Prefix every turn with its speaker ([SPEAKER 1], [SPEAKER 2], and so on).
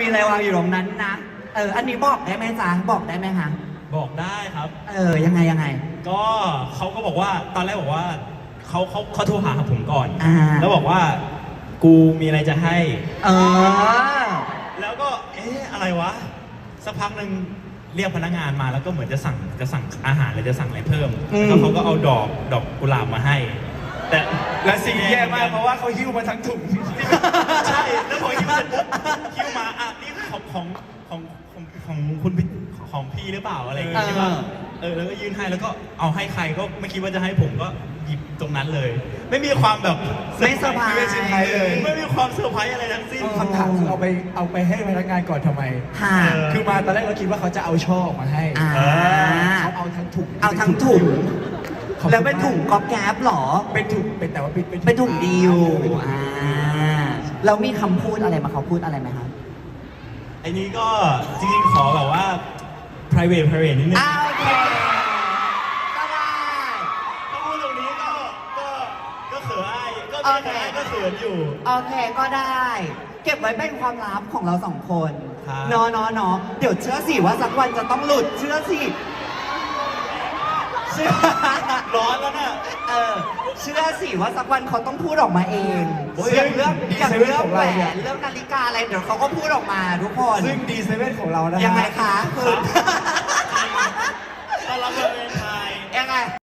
[SPEAKER 1] อะไรวางอยู่ตรงนั้นนะอันนี้บอกได้ไหมจ๊ะบอกได้ไหมคะ
[SPEAKER 2] บอกได้ครับ
[SPEAKER 1] ยังไง
[SPEAKER 2] ก็เขาก็บอกว่าตอนแรกบอกว่าเขาโทรหาผมก่อน แล้วบอกว่ากูมีอะไรจะให้แล้วก็อะไรวะสักพักหนึ่งเรียกพนักงานมาแล้วก็เหมือนจะสั่งอาหารหรือจะสั่งอะไรเพิ่มแล้วเขาก็เอาดอกกุหลาบมาให้แต่
[SPEAKER 3] และสิ่งแย่มากเพราะว่าเขาหิ้วมาทั้งถุง
[SPEAKER 2] ใช่แล้วพอหิ้วเสร็จปุ๊บหิ้วมานี่ของคุณของพี่หรือเปล่าอะไรอย่างเงี้ยใช่ป่ะแล้วก็ยื่นให้แล้วก็เอาให้ใครก็ไม่คิดว่าจะให้ผมก็หยิบตรงนั้นเลยไม่มีความแบบ
[SPEAKER 1] ไม่เซอร์ไพรส์
[SPEAKER 3] เลย
[SPEAKER 2] ไม่มีความเซอร์ไพรส์อะไรทั้งสิ้น
[SPEAKER 3] คำถามคือเอาไปให้พนักงานก่อนทำไมคือมาตอนแรกเราคิดว่าเขาจะเอาช่อมาให้เขาเอาทั้งถุง
[SPEAKER 1] แล้วเป็นถุงก๊อบแก๊บหรอ
[SPEAKER 3] เป็นถุงเป็นแต่ว่า
[SPEAKER 1] เป็นถุงดีลแล้วมีคำพูดอะไรมาเขาพูดอะไรไหมครับ
[SPEAKER 2] ไอ้นี้ก็จริงๆขอแบบว่า private นิดนึง
[SPEAKER 1] โอเคก็ได้
[SPEAKER 2] ถ้าพูดตรงนี้ก็เขินก็เขินอยู่
[SPEAKER 1] โอเคก็ได้เก็บไว้เป็นความลับของเราสองคนเนาะเดี๋ยวเชื่อสิว่าสักวันจะต้องหลุดเชื่อสิ
[SPEAKER 2] ร้อนแล้วเนี่ย
[SPEAKER 1] เชื่อสิว่าสักวันเขาต้องพูดออกมาเองอย่างเรื่องแหวนเรื่องนาฬิกาอะไรเดี๋ยวเขาก็พูดออกมาทุกคน
[SPEAKER 3] ซึ่งดีเซเว่นของเรานะ
[SPEAKER 1] ยังไงคะคุณ
[SPEAKER 2] ตอนรับเป็นไทย
[SPEAKER 1] ยังไง